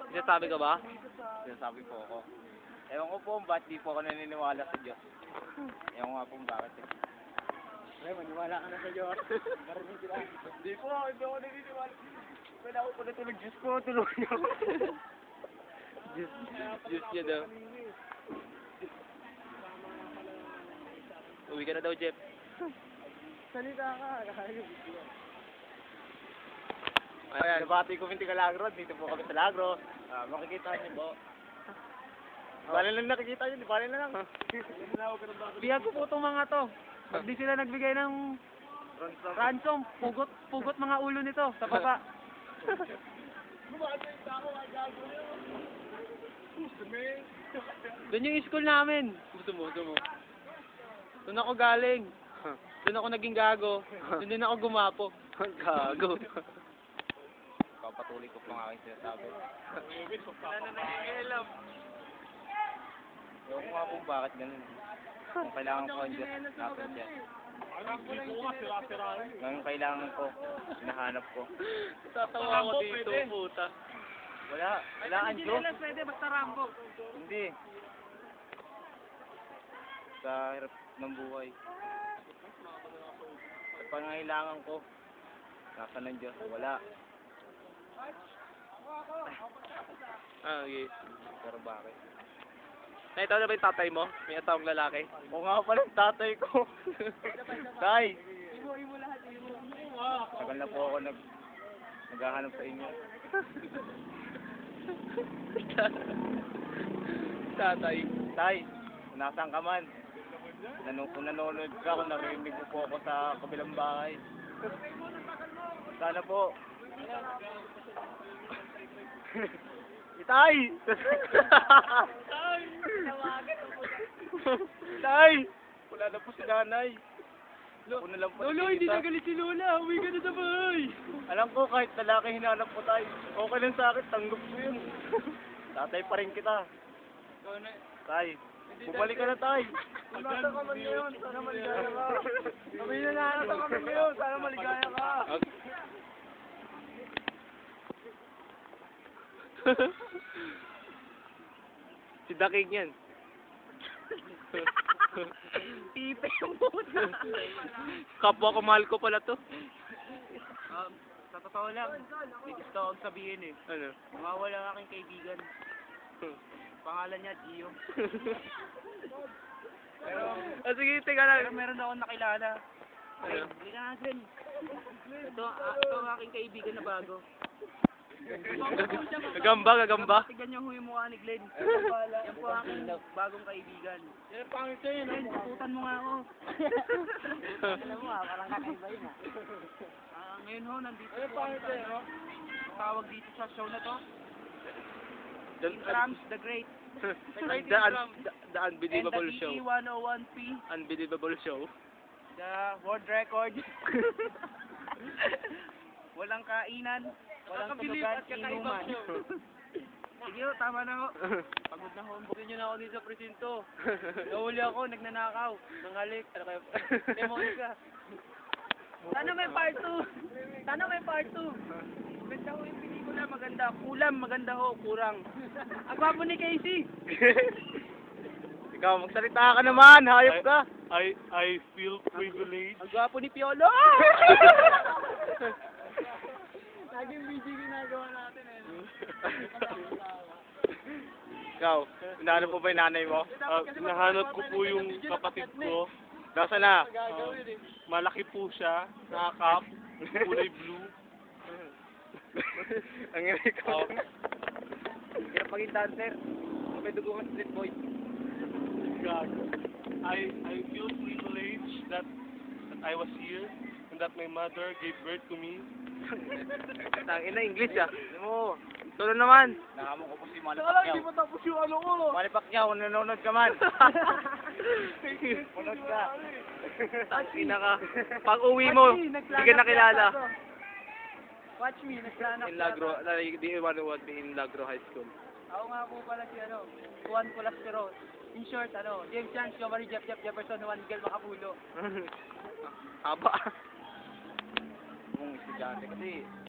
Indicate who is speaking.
Speaker 1: Sinasabi ka ba?
Speaker 2: Sinasabi po ako. Ewan ko po ba't di po ako naniniwala sa Diyos. Ewan nga po bakit eh.
Speaker 3: Ay, maniwala ka na sa Diyos. Marinig sila.
Speaker 2: Hindi po, hindi ako naniniwala. Kailangan ko pa natulog. Diyos ko, tulungan niyo ako.
Speaker 1: Diyos niya daw. Uwi ka na daw, Jeff.
Speaker 3: Salita ka.
Speaker 1: Ayan.
Speaker 2: Nabati ko Minti Calagro. Dito po kami sa Lagro. Makikita niyo po. Bale lang nakikita niyo. Bale na lang.
Speaker 3: Biyag ko po itong mga to. Pag di sila nagbigay ng ransom, pugot mga ulo nito sa baba. Doon yung school namin.
Speaker 1: Gusto mo.
Speaker 3: Doon ako galing. Doon ako naging gago. Doon din ako gumapo.
Speaker 1: Gago.
Speaker 2: Papatuloy ko po ang aking sinasabi. Ewan ko nga po bakit ganun. Kung kailangan ko ang Diyos, natin siya. Ngayon kailangan ko, hinahanap ko.
Speaker 1: Tatawa ako dito, puta.
Speaker 2: Wala ang Diyos.
Speaker 3: Pwede, basta Rambo.
Speaker 2: Hindi. Sa hirap ng buhay. Sa pangangailangan ko, nasa ng Diyos, wala.
Speaker 1: Ah, okay.
Speaker 2: Pero bakit?
Speaker 1: Nakita mo na ba yung tatay mo? May asawang lalaki.
Speaker 2: O nga pala ang tatay ko. Tay! Tagal na po ako naghahanap sa inyo.
Speaker 1: Tatay.
Speaker 2: Tay, kung nasaan ka man, kung nanonood ka, kung narinig mo po ako sa kabilang bahay. Sana po. Tay! Tay! Wala na po si nanay. Una lang po
Speaker 3: Lolo, hindi na galit si Lola. Uwi ka na sa bahay.
Speaker 2: Alam ko kahit lalaki hinanap ko tayo. Okay lang sa akin, tanggap ko yun. Tatay pa rin kita. Tay, bumalik ka na tay. Nasa ka man ngayon, sana maligaya ka. Sabi na nasa ka man ngayon, sana maligaya ka.
Speaker 1: Si Daking yan.
Speaker 3: Pipe yung puta.
Speaker 1: Kapwa ko, mahal ko pala to.
Speaker 3: Sa totoo lang, may gusto akong sabihin eh.
Speaker 1: Ano?
Speaker 3: Mawawala ang aking kaibigan. Pangalan niya, Gio. Pero,
Speaker 1: Sige, teka lang.
Speaker 3: pero meron akong nakilala.
Speaker 1: Ano?
Speaker 3: Hindi ka natin. Ito ang aking kaibigan na bago.
Speaker 1: Gagamba.
Speaker 3: Tignan niyo yung mukha ni Glenn. Yan po ang aking bagong kaibigan. Yan, pangit yun. Glenn, tututan mo nga ako. Alam mo parang kakaiba yun ngayon ho, nandito po kami sa ano. Tawag dito sa show na to. Rams the Great.
Speaker 1: The Unbelievable Show.
Speaker 3: And the DE101P.
Speaker 1: Unbelievable Show.
Speaker 3: The world record. Walang kainan. Walang tulugan, inuman. Sige ho, tama na ho. Pagod na ho. Bukin nyo na ako dito sa presinto. Nahuli ako, nagnanakaw. Nanghalik. Ano kayo? Demonic ka. Sana may part 2. Sana may part 2. Maganda ho yung pelikula, maganda. Kulam, maganda ho, kurang. Ang gwapo ni Casey.
Speaker 2: Ikaw, magsalita ka naman, hayop ka.
Speaker 1: I feel privileged.
Speaker 3: Ang gwapo ni Piolo. Laging BG ginagawa natin eh.
Speaker 2: Ikaw, hinahanap mo ba yung nanay mo?
Speaker 1: Nahanap ko po yung kapatid ko.
Speaker 2: Nasaan na?
Speaker 1: Malaki po siya. Nakakap. Kulay blue.
Speaker 2: Ang ina ko.
Speaker 3: Hirap maging dancer. May dugo ka street boy.
Speaker 1: God. I feel privileged that I was here and that my mother gave birth to me.
Speaker 2: Tangina English ah. Alam mo, tulo naman. Nakamo ko po si Manny Pacquiao.
Speaker 3: Hindi mo tapos yung ano ko.
Speaker 2: Manny Pacquiao, nanonood ka man. Nanonood ka.
Speaker 1: Tangina ka. Pag uwi mo, hindi ka nakilala.
Speaker 3: Watch me, nagplanak.
Speaker 1: In Lagro, di iwan in Lagro High School.
Speaker 3: Ako nga po pala si ano, Juan Colastero. In short, ano, James Chance, Giovanni Jeff Jefferson, Juan Miguel Macapulo.
Speaker 1: Haba.
Speaker 2: Kung estudyante kasi